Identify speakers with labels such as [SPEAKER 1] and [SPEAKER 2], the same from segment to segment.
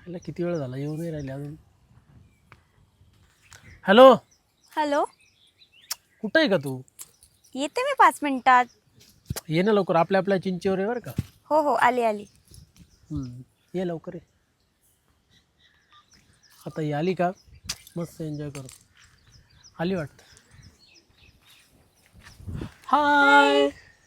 [SPEAKER 1] ह्याला किती वेळ झाला येऊ नाही राहिले अजून. हॅलो,
[SPEAKER 2] हॅलो,
[SPEAKER 1] कुठं आहे का तू?
[SPEAKER 2] येते मी 5 मिनिटात.
[SPEAKER 1] ये ना लवकर, आपल्या आपल्या चिंचेवर आहे बरं का.
[SPEAKER 2] हो हो, आली आली.
[SPEAKER 1] ये लवकर ये. आता ही आली का मस्त एन्जॉय करू. आली वाटतं. हाय.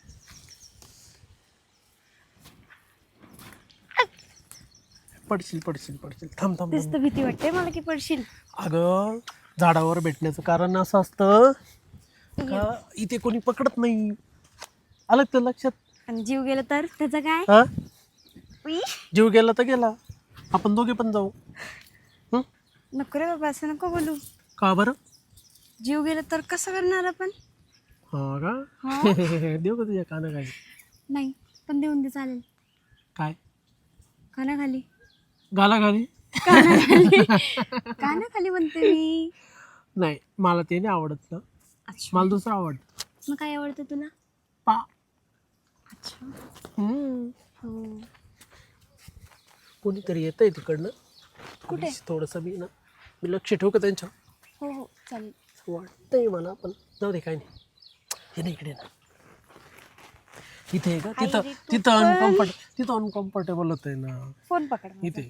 [SPEAKER 1] पडशील पडशील पडशील. थांब थांब
[SPEAKER 2] तेच
[SPEAKER 1] थांब.
[SPEAKER 2] तर भीती वाटते मला की पडशील.
[SPEAKER 1] अगं झाडावर भेटण्याचं कारण असं असतं का इथे कोणी पकडत नाही. आलं का लक्षात?
[SPEAKER 2] आणि जीव गेला तर त्याचं काय?
[SPEAKER 1] हा,
[SPEAKER 2] उई,
[SPEAKER 1] जीव गेला तर गेला. आपण दोघे पण जाऊ.
[SPEAKER 2] नको रे बाबा, असं नको बोलू.
[SPEAKER 1] का बरं?
[SPEAKER 2] जीव गेला तर कसं करणार आपण?
[SPEAKER 1] हा का?
[SPEAKER 2] हा?
[SPEAKER 1] देऊ का तुझ्या कानाखाली?
[SPEAKER 2] नाही, पण देऊन दे चालेल.
[SPEAKER 1] काय
[SPEAKER 2] कानाखाली.
[SPEAKER 1] गालाखाली?
[SPEAKER 2] कानाखाली. कानाखाली म्हणते मी.
[SPEAKER 1] नाही, मला ते नाही आवडत ना.
[SPEAKER 2] अच्छा,
[SPEAKER 1] मला दुसरं आवडतं.
[SPEAKER 2] मग काय आवडतं तुला?
[SPEAKER 1] पा.
[SPEAKER 2] अच्छा.
[SPEAKER 1] हम्म.
[SPEAKER 2] हो.
[SPEAKER 1] कोणीतरी येतंय तिकडनं.
[SPEAKER 2] कुठे?
[SPEAKER 1] थोडंसं मी लक्ष ठेवू का त्यांच्या?
[SPEAKER 2] हो हो, चालेल.
[SPEAKER 1] वाटतंय मला, पण जाऊ दे, काय नाही. हे नाही इकडे ना. इथे आहे का? तिथं
[SPEAKER 2] आई रे, तू
[SPEAKER 1] तिथं अनकम्फर्टेबल होतंय ना.
[SPEAKER 2] फोन पकड माझा.
[SPEAKER 1] इथे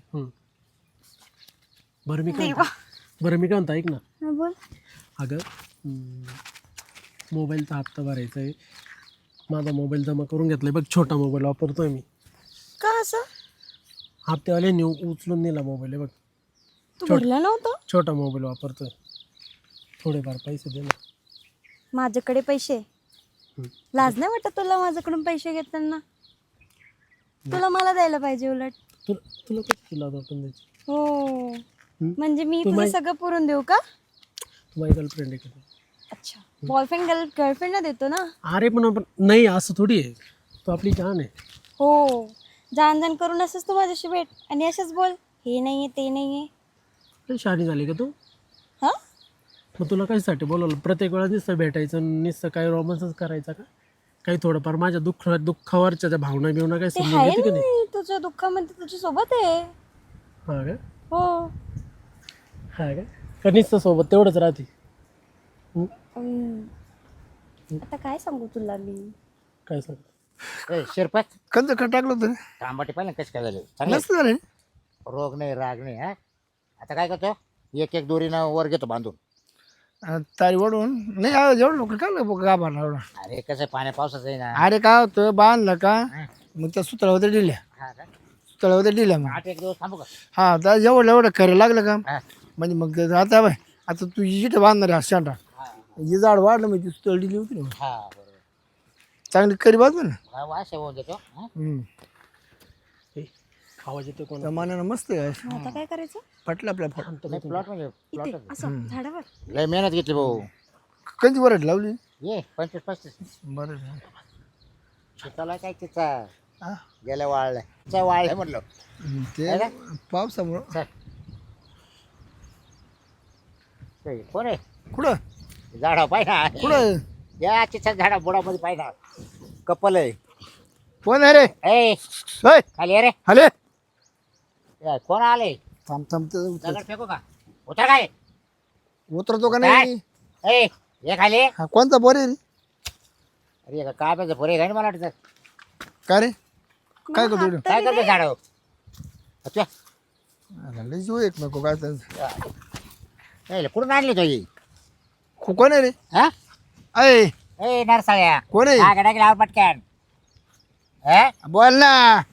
[SPEAKER 1] बरं मी काय
[SPEAKER 2] देवा.
[SPEAKER 1] म्हणतो ऐक ना.
[SPEAKER 2] हा, बोल.
[SPEAKER 1] अगं मोबाईलचा हप्ता भरायचा आहे. माझा मोबाईल जमा करून घेतलाय बघ. छोटा मोबाईल वापरतोय मी.
[SPEAKER 2] का असं?
[SPEAKER 1] हप्त्यावाल्याने उचलून नेला मोबाईल आहे बघ.
[SPEAKER 2] तू भरला नव्हतं?
[SPEAKER 1] छोटा मोबाईल वापरतोय. थोडेफार पैसे दे ना.
[SPEAKER 2] माझ्याकडे पैसे? लाज नाही वाटत तुला माझ्याकडून पैसे घेताना? तुला मला द्यायला पाहिजे उलट.
[SPEAKER 1] तुला कसं तुला वाटून द्यायची?
[SPEAKER 2] हो, म्हणजे मी
[SPEAKER 1] तू
[SPEAKER 2] तुझं सगळं पुरून देऊ का?
[SPEAKER 1] तू माझी गर्लफ्रेंड आहे का?
[SPEAKER 2] अच्छा, बॉयफ्रेंड गर्लफ्रेंडला देतो ना.
[SPEAKER 1] अरे पण नाही, असं थोडी आहे. तू आपली जान आहे.
[SPEAKER 2] हो, जाण जाण करून असंच तू माझ्याशी भेट आणि असंच बोल, हे नाहीये ते नाहीये.
[SPEAKER 1] लई शहाणी झाली का तू?
[SPEAKER 2] हा,
[SPEAKER 1] मग तुला कशासाठी बोलवलं? प्रत्येक वेळा नुसतं भेटायचं, नुसतं काही रोमांसच करायचा का? काही थोडंफार माझ्या दुःखावरच्या त्या भावना बिवना काही
[SPEAKER 2] ते
[SPEAKER 1] समजून
[SPEAKER 2] आहे
[SPEAKER 1] घेते की
[SPEAKER 2] ना,
[SPEAKER 1] नाही?
[SPEAKER 2] मी तुझ्या दुःखामध्ये तुझ्या सोबत आहे.
[SPEAKER 1] हा का?
[SPEAKER 2] हो.
[SPEAKER 1] हा का? का नुसतं सोबत तेवढंच राहते?
[SPEAKER 2] आता काय सांगू तुला मी?
[SPEAKER 1] काय सांग?
[SPEAKER 3] शिरपत
[SPEAKER 4] कंद का टाकलं होतं
[SPEAKER 3] तांबाटी पाहिलं कसं काय झालं? चांगलं
[SPEAKER 4] मस्त झालं.
[SPEAKER 3] रोग नाही राग नाही. हा, आता काय करतो, एक एक दोरीनं वर घेतो बांधून.
[SPEAKER 4] तारी ओढून नाही एवढं लोक काय गाभारला एवढा.
[SPEAKER 3] अरे कसं पाण्या पावसाचं आहे ना.
[SPEAKER 4] अरे काय होतं बांधलं का मग त्या सुतळावर दिल्या
[SPEAKER 3] हा का?
[SPEAKER 4] सुतळावर दिल्या मग
[SPEAKER 3] 8 एक दिवस थांबू का?
[SPEAKER 4] हा तर एवढं एवढं खरं लागलं का
[SPEAKER 3] हा.
[SPEAKER 4] म्हणजे मग आता बाय आता तू जिथं बांधणार आहे शांटा
[SPEAKER 3] हा,
[SPEAKER 4] ही झाड वाढलं म्हणजे सुतळ दिली होती ना
[SPEAKER 3] हा बरोबर.
[SPEAKER 4] चांगली करी बाजू ना.
[SPEAKER 3] हा, वास होऊन देतो. हा?
[SPEAKER 1] आवाज येतो कोण?
[SPEAKER 4] त्या मानानं मस्त आहे.
[SPEAKER 2] मग आता काय करायचं?
[SPEAKER 4] पटलं आपल्या फट
[SPEAKER 3] नाही, प्लॉट म्हणजे
[SPEAKER 2] इथे
[SPEAKER 3] प्लॉट
[SPEAKER 2] असं झाडावर.
[SPEAKER 3] लय मेहनत घेतली भाऊ.
[SPEAKER 4] कधी वरट लावली
[SPEAKER 3] ये 25-35
[SPEAKER 4] बरं
[SPEAKER 3] चिताला काय चिचा
[SPEAKER 4] हा.
[SPEAKER 3] गेल्या वाळल्या चिचा वाळल्या म्हणलं.
[SPEAKER 4] ते
[SPEAKER 3] आहे
[SPEAKER 4] पावसामुळं
[SPEAKER 3] चल. ते कोण आहे?
[SPEAKER 4] कुठं
[SPEAKER 3] झाडा पाहिजे
[SPEAKER 4] कुठं
[SPEAKER 3] या चिचा झाडा बुडामध्ये पाहिजे कपल आहे.
[SPEAKER 4] कोण आहे रे
[SPEAKER 3] ए
[SPEAKER 4] होय
[SPEAKER 3] खाली ये रे.
[SPEAKER 4] हले
[SPEAKER 3] ए, कोण आले?
[SPEAKER 4] थांब थांब
[SPEAKER 3] दगड फेकू का? उतर काय?
[SPEAKER 4] उतरतो का नाही
[SPEAKER 3] ए ये खाली.
[SPEAKER 4] हा कोणता बोर आहे रे
[SPEAKER 3] अरे का काय पाहिजे पोरे काय मला वाटतं.
[SPEAKER 4] काय रे काय करतो इकडं?
[SPEAKER 3] काय करतो झाड?
[SPEAKER 4] अरे लय जीव एक नको काय
[SPEAKER 3] कुठून आणली तो ही?
[SPEAKER 4] कोण आहे रे
[SPEAKER 3] हा?
[SPEAKER 4] अय
[SPEAKER 3] ए नरसाळ्या
[SPEAKER 4] कोण आहे
[SPEAKER 3] काय टाकली आवर पटकन. हा?
[SPEAKER 4] बोल ना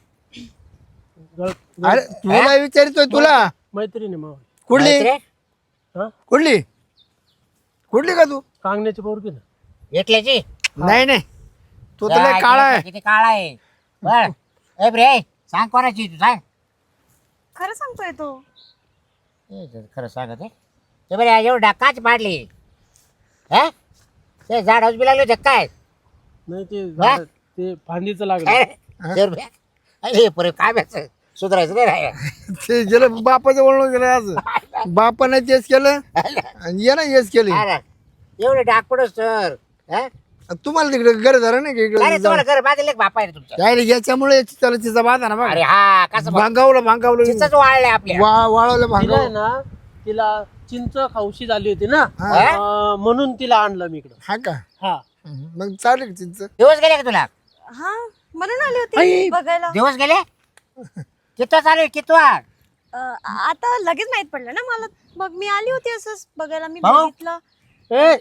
[SPEAKER 4] अरे तुला विचारतोय तुला
[SPEAKER 1] मैत्रीण आहे मावळ.
[SPEAKER 4] कुठली
[SPEAKER 3] मैत्रीण?
[SPEAKER 1] हा,
[SPEAKER 4] कुठली कुठली का तू
[SPEAKER 1] कांगण्याची पोरगी ना.
[SPEAKER 3] एकल्याची?
[SPEAKER 4] नाही नाही तू तर लय काळा आहे
[SPEAKER 3] किती काळा आहे बर. ए bre सांग कोणाची तू सांग.
[SPEAKER 2] खरं सांगतोय तो.
[SPEAKER 3] खरं सांगत आहे ते बरे एवढं डाकाच पाडली. हा ते झाड बी लागले होते काय?
[SPEAKER 1] नाही ते
[SPEAKER 3] हा?
[SPEAKER 1] ते फांदीचं लागलं.
[SPEAKER 3] अरे पुरे काय व्हायचं सुधारायचं नाही राहिलं.
[SPEAKER 4] ते गेलं बापाचं वळण गेलं आज बापाने तेच केलं आणि ये ना हेच केलं
[SPEAKER 3] अरे, एवढे डाक पडस सर.
[SPEAKER 4] तुम्हाला तिकडे घर झालं नाही का
[SPEAKER 3] अरे
[SPEAKER 4] इकडे
[SPEAKER 3] तुम्हाला घर बांधले बापा आहे रे तुमचं.
[SPEAKER 4] काय रे, याच्यामुळे त्याला तिचा बाधा ना बघ
[SPEAKER 3] अरे हा कसं
[SPEAKER 4] भांगावलं
[SPEAKER 3] चिंचच वाळले आपल्या.
[SPEAKER 4] वाळवलं
[SPEAKER 1] तिला आहे
[SPEAKER 4] भांगावलं
[SPEAKER 1] ना तिला चिंच खाऊशी झाली होती ना
[SPEAKER 3] हा?
[SPEAKER 1] म्हणून तिला आणलं मी इकडं.
[SPEAKER 4] हा का
[SPEAKER 1] हा
[SPEAKER 4] मग चालेल का चिंच
[SPEAKER 3] दिवस गेले का तुला?
[SPEAKER 2] हा म्हणून आली होती बघायला.
[SPEAKER 3] दिवस गेले कितवा चालू आहे कितवा?
[SPEAKER 2] आता लगेच माहित पडलं ना मला. मग मी आली होती असंच बघायला. मी
[SPEAKER 3] भाऊ?
[SPEAKER 2] बघितलं.
[SPEAKER 1] ए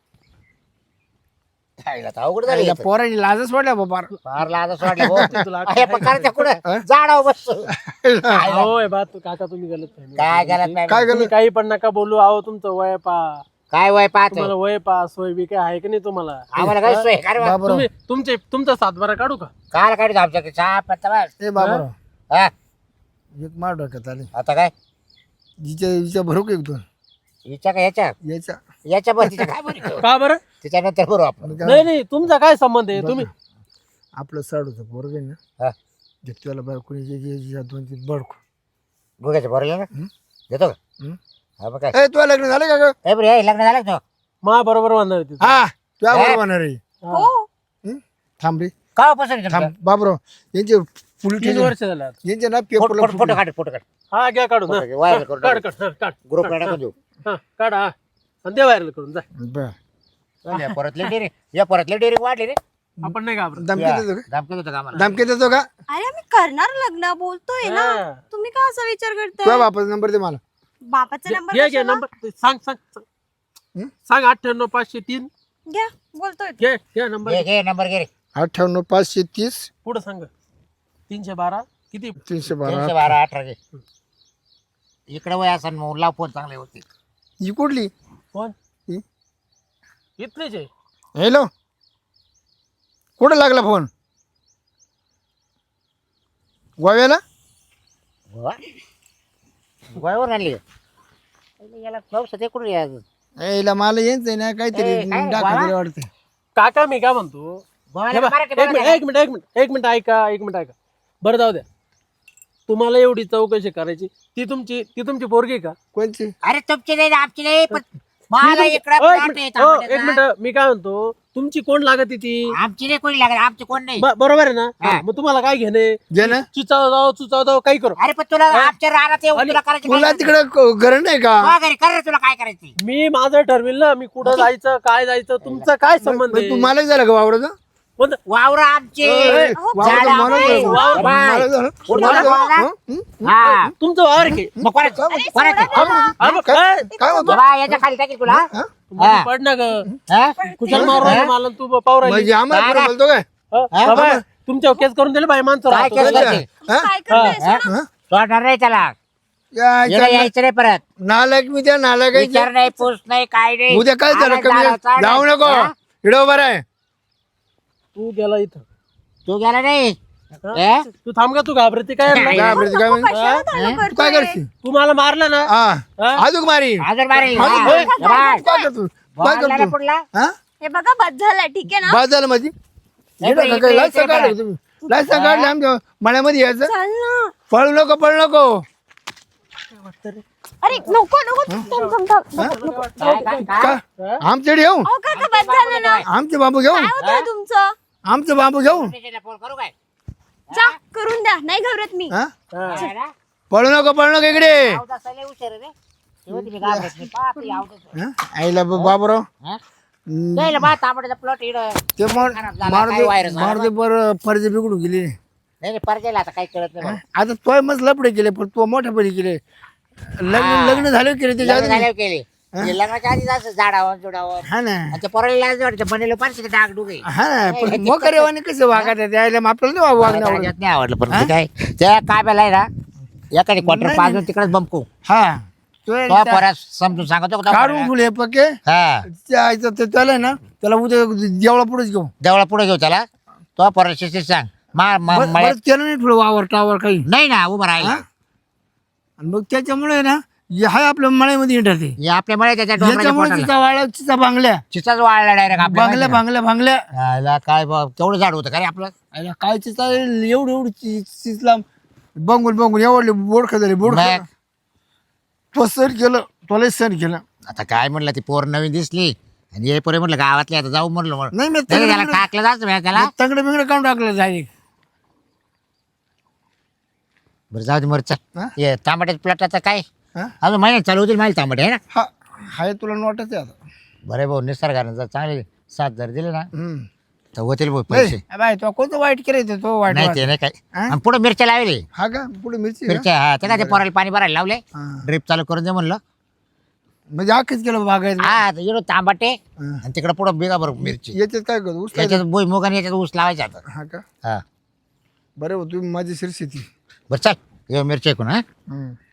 [SPEAKER 3] खायला तर अवघड झाली.
[SPEAKER 4] पोरांनी लाजच वाटल्या बाबा
[SPEAKER 3] फार लाज वाटली भाऊ.
[SPEAKER 1] तुला
[SPEAKER 3] हे पण करायचं कुठं झाडावर बसतो.
[SPEAKER 1] होय बा तू काका तुम्ही गलत फहमी.
[SPEAKER 3] काय गलत नाही.
[SPEAKER 4] काय
[SPEAKER 1] तुम्ही काही पण नका बोलू. आहो तुमचं वय पा
[SPEAKER 3] काय वय पाहतो
[SPEAKER 1] तुम्हाला वय पा सोय बी काय आहे की नाही तुम्हाला.
[SPEAKER 3] आम्हाला काय सोय काय रे बा?
[SPEAKER 1] तुम्ही तुमचा सातबारा काढू का.
[SPEAKER 3] काय काढतो आमच्याकडे चहा पत्ता बस.
[SPEAKER 4] ए बाबा
[SPEAKER 3] हा
[SPEAKER 4] एक मार डोक्यात आले
[SPEAKER 3] आता काय
[SPEAKER 4] हिच्या भरू का एक दोन
[SPEAKER 3] हिच्या का याच्या
[SPEAKER 4] याच्या
[SPEAKER 3] याच्या बस तिच्या काय बरं
[SPEAKER 1] का बरं.
[SPEAKER 3] त्याच्यानंतर बरोबर आपण
[SPEAKER 1] नाही नाही तुमचा काय संबंध आहे तुम्ही.
[SPEAKER 4] आपलं साडूचं पोरग आहे ना
[SPEAKER 3] हा
[SPEAKER 4] त्याला बायकोणी दोन तीन बडको
[SPEAKER 3] गुगाच्या बरोबर ना देतो का हा बघ काय
[SPEAKER 4] ए तुला लग्न झालं का ग?
[SPEAKER 3] ए बरे हे लग्न झालं का तो?
[SPEAKER 1] मा बरोबर म्हणणार होती.
[SPEAKER 4] हा तुझ्या बरोबर होणार आहे
[SPEAKER 2] हो
[SPEAKER 4] थांब रे
[SPEAKER 3] का पसंत
[SPEAKER 4] थांब बाबरो यांचे पोलीस
[SPEAKER 1] 3 वर्ष झाले आता.
[SPEAKER 4] यांचे ना
[SPEAKER 3] फोटो
[SPEAKER 4] पेपर
[SPEAKER 3] काढ फोटो काढ
[SPEAKER 1] हा घ्या काढून हा.
[SPEAKER 3] व्हायरल करून
[SPEAKER 1] काढ काढ हा, काढ
[SPEAKER 3] ग्रुप टाकून देऊ
[SPEAKER 1] हा काढ हा आणि दे व्हायरल करून जा.
[SPEAKER 3] या परतले डेरी या परतले डेरी वाढले रे
[SPEAKER 1] आपण नाही घाबरत.
[SPEAKER 4] धमकी देतो का
[SPEAKER 3] धमकी देतो का आम्हाला
[SPEAKER 4] धमकी देतो का
[SPEAKER 2] अरे आम्ही करणार लग्न बोलतोय ना.
[SPEAKER 1] हा.
[SPEAKER 2] तुम्ही का असा विचार
[SPEAKER 4] तुझ्या
[SPEAKER 2] करताय.
[SPEAKER 4] बापाचा नंबर दे मला
[SPEAKER 2] बापाचा नंबर
[SPEAKER 1] घे घे
[SPEAKER 2] कशाला?
[SPEAKER 1] नंबर सांग सांग सांग. सांग 98 503
[SPEAKER 2] घ्या बोलतोय.
[SPEAKER 1] घे घे नंबर
[SPEAKER 3] घे घे नंबर घे रे
[SPEAKER 4] 98 530
[SPEAKER 1] पुढे सांग 312 किती
[SPEAKER 4] 312
[SPEAKER 3] 312 18 घे इकडे वय असं मग लाव फोन चांगले होते
[SPEAKER 4] ही कुठली
[SPEAKER 1] कोण
[SPEAKER 4] ही?
[SPEAKER 1] इथलेच आहे.
[SPEAKER 4] हॅलो कुठं लागला फोन गोव्याला
[SPEAKER 3] गोव्यावर आणली याला पाऊस ते कुठे
[SPEAKER 4] यायला मला यायचंय ना काहीतरी
[SPEAKER 3] ए, काय रे,
[SPEAKER 4] दाखवलं
[SPEAKER 3] गोवा?
[SPEAKER 4] वाटतं
[SPEAKER 1] काका मी काय म्हणतो हे बघ, एक मिनिट ऐका बरं जाऊ द्या. तुम्हाला एवढी चौकशी करायची ती तुमची पोरगी आहे का.
[SPEAKER 4] कोणची
[SPEAKER 3] अरे तुमची नाही आमची नाही पण मला इकडे
[SPEAKER 1] एक मिनिट मी काय म्हणतो तुमची कोण लागत ती
[SPEAKER 3] आमची नाही कोणी लागत आमची कोण नाही
[SPEAKER 1] बरोबर आहे ना.
[SPEAKER 3] हा.
[SPEAKER 1] मग तुम्हाला काय घेणे
[SPEAKER 4] जे ना
[SPEAKER 1] चुचाव जाऊ काही करू.
[SPEAKER 3] अरे पण तुला आमच्या रानात येऊन तुला करायची
[SPEAKER 4] तुला
[SPEAKER 3] काय
[SPEAKER 4] तिकडे घर नाही का
[SPEAKER 3] गरज? घरी कर रे तुला काय करायची
[SPEAKER 1] मी माझं ठरविल ना मी कुठं जायचं काय जायचं तुमचं काय संबंध
[SPEAKER 4] मग
[SPEAKER 1] आहे?
[SPEAKER 4] तू मला झालं का वावराचं
[SPEAKER 1] कोणतं?
[SPEAKER 3] वावर आमचे
[SPEAKER 4] वावराचं मला
[SPEAKER 3] आमचे.
[SPEAKER 4] झालं.
[SPEAKER 3] वावर बाय.
[SPEAKER 4] मला झालं.
[SPEAKER 3] कुठं
[SPEAKER 4] मला
[SPEAKER 3] झालं?
[SPEAKER 4] झालं. हं?
[SPEAKER 3] हा
[SPEAKER 1] तुमचं वावर आहे की?
[SPEAKER 3] मग कोणाचं? कोणाचं?
[SPEAKER 1] हा, मग काय?
[SPEAKER 4] काय म्हणतो
[SPEAKER 3] बाबा, याच्या खाली टाकील तुला
[SPEAKER 4] हा?
[SPEAKER 1] मध्ये पड ना ग
[SPEAKER 3] हा?
[SPEAKER 1] कुशाल मारू राहिला मला आणि तू पाहू राहिली.
[SPEAKER 4] म्हणजे आम्हाला
[SPEAKER 3] काय?
[SPEAKER 4] कोणी बोलतो काय
[SPEAKER 1] बाबा तुमच्या केस करून दिले बाई माणसं
[SPEAKER 3] काय
[SPEAKER 1] राहतो.
[SPEAKER 3] केस
[SPEAKER 4] अच्छा.
[SPEAKER 3] करते?
[SPEAKER 4] हा?
[SPEAKER 2] काय करताय
[SPEAKER 3] हा?
[SPEAKER 4] हा?
[SPEAKER 3] सोडणार नाही त्याला
[SPEAKER 4] या
[SPEAKER 3] याला यायचं नाही परत
[SPEAKER 4] नालायक मी त्या नालायक
[SPEAKER 3] विचार नाही पूस नाही काय नाही
[SPEAKER 4] उद्या काय झालं
[SPEAKER 3] आला
[SPEAKER 4] कमी
[SPEAKER 3] झाला,
[SPEAKER 4] जाऊ नको
[SPEAKER 3] हा?
[SPEAKER 4] इडो बरं आहे
[SPEAKER 1] तू गेला इथं
[SPEAKER 3] तू गेला नाही
[SPEAKER 1] हा?
[SPEAKER 3] ए?
[SPEAKER 1] तू थांब का तू घाबरते काय
[SPEAKER 3] नाही.
[SPEAKER 4] काय म्हणते, काय म्हणते?
[SPEAKER 2] कशाला चालू
[SPEAKER 4] तू काय
[SPEAKER 2] करतोय?
[SPEAKER 4] करते
[SPEAKER 1] तू मला मारलं ना
[SPEAKER 4] हा
[SPEAKER 1] हा?
[SPEAKER 4] अजून मारी
[SPEAKER 3] अजून मारे
[SPEAKER 4] हा?
[SPEAKER 3] हा.
[SPEAKER 4] होय.
[SPEAKER 3] बाय.
[SPEAKER 4] काय करतो काय
[SPEAKER 3] बॉल आला
[SPEAKER 4] करतो
[SPEAKER 3] पुढला
[SPEAKER 4] हा
[SPEAKER 2] हे बघा बस झालं ठीक आहे ना.
[SPEAKER 4] बाद झालं माझी
[SPEAKER 3] इकडे,
[SPEAKER 4] काय
[SPEAKER 3] इकडे,
[SPEAKER 4] लायसन
[SPEAKER 3] इकडे
[SPEAKER 4] काढलं तुम्ही लायसन काढले आमच्या मळ्यामध्ये यायचं
[SPEAKER 2] चाल ना.
[SPEAKER 4] पळू नको
[SPEAKER 2] अरे नको थांब.
[SPEAKER 3] काय, काय, काय?
[SPEAKER 4] का आमच्याकडे येऊ
[SPEAKER 2] अहो काका बस झालं ना.
[SPEAKER 4] आमचे बांबू घेऊ
[SPEAKER 2] काय होतंय तुमचं.
[SPEAKER 4] आमचं बांबू घेऊ
[SPEAKER 3] स्टेशनला फोन करू काय
[SPEAKER 2] जा करून द्या नाही घाबरत मी.
[SPEAKER 4] हा
[SPEAKER 1] हा.
[SPEAKER 3] काय ना?
[SPEAKER 4] पळू नको इकडे
[SPEAKER 3] अवदासा लय हुशार आहे रे. तेव्हा तुम्ही घाबरत नाही. पहा आपली अवदासा.
[SPEAKER 4] हा? आईला बाबराव
[SPEAKER 3] हा? त्याला बा तांबड्याचा प्लॉट इड नाही
[SPEAKER 4] ते
[SPEAKER 3] काय व्हायरस आला
[SPEAKER 4] मारते पर फर्जे बिघडून गेली
[SPEAKER 3] नाही परजेला आता काही कळत नाही मला.
[SPEAKER 4] आता तोय मस्त लपडे केले पण तो मोठ्यापणी केले लग्न झाले केले त्याच्या
[SPEAKER 3] लग्न
[SPEAKER 4] आधी
[SPEAKER 3] झाल्यावर केले ते लग्नाच्या आधीच असं झाडावर जुडावर
[SPEAKER 4] हा ना
[SPEAKER 3] आणि ते पोराला लाज वाटते बनेलो पाहिजे डाग डुगे
[SPEAKER 4] हा ना पण मोकरेवाने कसं वागत आहे त्याला आपल्याला नाही वागण्यावर
[SPEAKER 3] नाही आवडलं पण ते काय त्या काय बेलाय ना एखादी क्वार्टर पाजून तिकडेच बंपू
[SPEAKER 4] हा तो
[SPEAKER 3] तो पोरा समजून सांगतो का तो
[SPEAKER 4] काढून
[SPEAKER 3] पोराला?
[SPEAKER 4] फुले पक्के
[SPEAKER 3] हा
[SPEAKER 4] त्याला ना त्याला उद्या जेवढा पुढेच घेऊ
[SPEAKER 3] देवळा पुढे घेऊ त्याला तो पोरा शिस्तीत सांग
[SPEAKER 4] बरं त्याला नाही थोडं वावर टावर काही
[SPEAKER 3] नाही ना उभं राहील
[SPEAKER 4] हा? आणि मग त्याच्यामुळे ना हाय आपल्या मळ्यामध्ये येतात ते
[SPEAKER 3] हे आपल्या मळे त्याच्या डोंगराच्या
[SPEAKER 4] याच्यामुळे
[SPEAKER 3] पोटाला
[SPEAKER 4] तिचा वाळा तिचा बांगल्या
[SPEAKER 3] चिचाच वाळला डायरेक्ट आपल्या
[SPEAKER 4] बांगल्या
[SPEAKER 3] याला काय तेवढं झाड होतं का रे आपलं
[SPEAKER 4] अरे काय चिचा एवढी चिचला बंगून एवढले बोडखा झाले बोडखा
[SPEAKER 3] मग?
[SPEAKER 4] तो सण केलं तुला सण केलं
[SPEAKER 3] आता काय म्हणलं ती पोर नवीन दिसली आणि हे पोरे म्हटलं गावातले आता जाऊ म्हणलं
[SPEAKER 4] नाही मी
[SPEAKER 3] त्याला टाकलं जायचं मी त्याला
[SPEAKER 4] तंगडे बिंगडे काढून टाकलं जाईल.
[SPEAKER 3] बरं जाऊ दे मर
[SPEAKER 4] हा?
[SPEAKER 3] चल हे तांबट्याच्या प्लॉटाचं काय
[SPEAKER 4] हा
[SPEAKER 3] अजून महिन्यात चालू होतील माझे तांबटे आहे ना.
[SPEAKER 4] हा हाय तुला नोटच आहे आता.
[SPEAKER 3] बरे भाऊ निसर्गाने जर चांगले 7,000 दिले ना
[SPEAKER 4] हम्म.
[SPEAKER 3] तर होतील भाऊ पैसे.
[SPEAKER 4] ए, बाय तो कोणतं वाईट करायचं तो वाईट
[SPEAKER 3] नाही
[SPEAKER 4] वाईट.
[SPEAKER 3] ते नाही काय
[SPEAKER 4] हा?
[SPEAKER 3] आणि पुढे मिरच्या लावले
[SPEAKER 4] हा का पुढे मिरची का?
[SPEAKER 3] मिरच्या हा ते काय ते पोराला पाणी भरायला लावले
[SPEAKER 4] हा.
[SPEAKER 3] ड्रिप चालू करून दे म्हणलं.
[SPEAKER 4] म्हणजे अख्खीच केलं बागायचं.
[SPEAKER 3] हा इकडं तांबटे
[SPEAKER 4] हा.
[SPEAKER 3] आणि तिकडे पुढं बिगा बरं मिरची
[SPEAKER 4] याच्यात काय करतो ऊस
[SPEAKER 3] याच्यात भुईमुग आणि याच्यात ऊस लावायचा आता.
[SPEAKER 4] हा का
[SPEAKER 3] हा
[SPEAKER 4] बरं तुम्ही माझी शेती.
[SPEAKER 3] बरं चल ये मिरची ऐकून हा
[SPEAKER 4] हम्म.